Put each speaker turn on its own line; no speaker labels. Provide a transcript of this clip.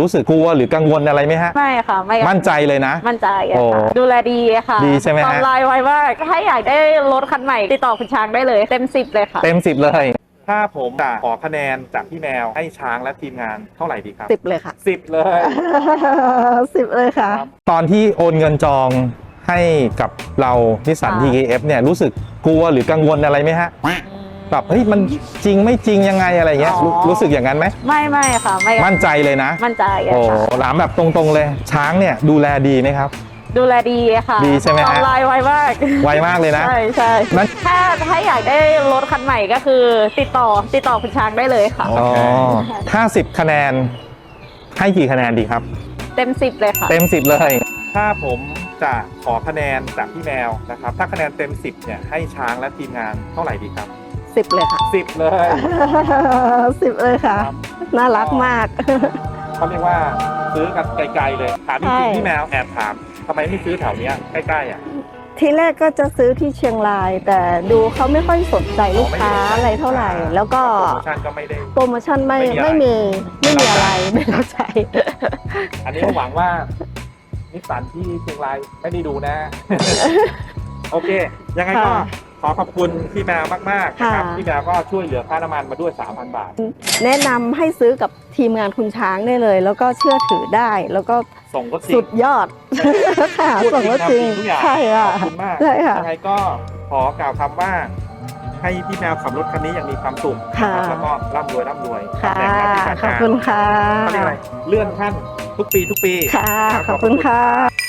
รู้สึกกลัวหรือกังวลอะไรไหมฮะ
ไม่ค่ะไม่
มั่นใจเลยนะ
มั่นใจอะ
โอ้
ค่ะดูแลดีค่ะ
ดีใช่ไหมฮะ
ตอบไลน์ไว้ว่าถ้าอยากได้รถคันใหม่ติดต่อคุณช้างได้เลยเต็ม10เลยค่ะ
เต็ม10เลยถ้าผมจะขอคะแนนจากพี่แมวให้ช้างและทีมงานเท่าไหร่ดีครับ
10เลยค่ะ
10เลย
10เลยค่ะ
ตอนที่โอนเงินจองให้กับเรานิสสัน TKF เนี่ยรู้สึกกลัวหรือกังวลอะไรไหมฮะแบบเฮ้ยมันจริงไม่จริงยังไงอะไรเงี้ยรู้สึกอย่างนั้นไหม
ไม่ค่ะไม่
มั่นใจเลยนะ
มั่นใจอะ
โอ้
ค่ะ
ถามแบบตรงๆเลยช้างเนี่ยดูแลดีไหมครับ
ดูแลดีค่ะ
ดีใช่ไหมฮะ
ตอบไลน์ไว้มาก
ไวมากเลยนะ
ใช่
นั้น
ถ้าอยากได้รถคันใหม่ก็คือติดต่อคุณช้างได้เลยค่ะ
อ๋อถ้า10คะแนนให้กี่คะแนนดีครับ
เต็ม10เลยค่ะ
เต็ม10เลยถ้าผมจะขอคะแนนจากพี่แมวนะครับถ้าคะแนนเต็ม10เนี่ยให้ช้างและทีมงานเท่าไหร่ดีครับ
10เลยค่ะ
10เลย
10เลยค่ะ
ครับ
น่ารักมาก
เขาเรียกว่าซื้อกันไกลๆเลยถามจริง
ใช่
ๆพี่แมวแอบถามทำไมไม่ซื้อแถวเนี้ยใกล้ๆอ่ะ
ทีแรกก็จะซื้อที่เชียงราย แต่ดูเขาไม่ค่อยสนใจลูกค้าอะไรเท่าไหร่ แล้วก็
โปรโมชั่นก็ไม่ได้
โปรโมชั่นไม่
ไม่มี
ไม่มีอะไรไม่เข้าใจ
อันนี้ก็หวังว่านิสสันที่เชียงรายไม่ได้ดูนะ โอเค ยังไงก็
ค่ะ
ขอขอบคุณพี่แมวมากๆนะครับ
ค่ะ
พี่แมวก็ช่วยเหลือค่าน้ำมันมาด้วย 3,000 บาท
แนะนำให้ซื้อกับทีมงานคุณช้างได้เลย แล้วก็เชื่อถือได้ แล้วก็
ส่งก็จริ
สุ
ง
ดยอด ค่ะ
พูด
ส่งก็จริง
ทุกอย่าง
ใช่ค่ะ
ขอบคุณมาก
ใช่ค่ะ
ยังไงก็ขอกล่าวคำว่า ให้พี่แมวขับรถคันนี้อย่างมีความสุข
ค่ะ
นะครับแล้วก็ร่ำรวย
ค่ะ
ตำแหน่งหน้าที่การ
ขอบ
งาน
คุณค่ะ
เขาเรียกอะไรเลื่อนขั้นทุกปี
ค่ะ ขอบคุณค่ะ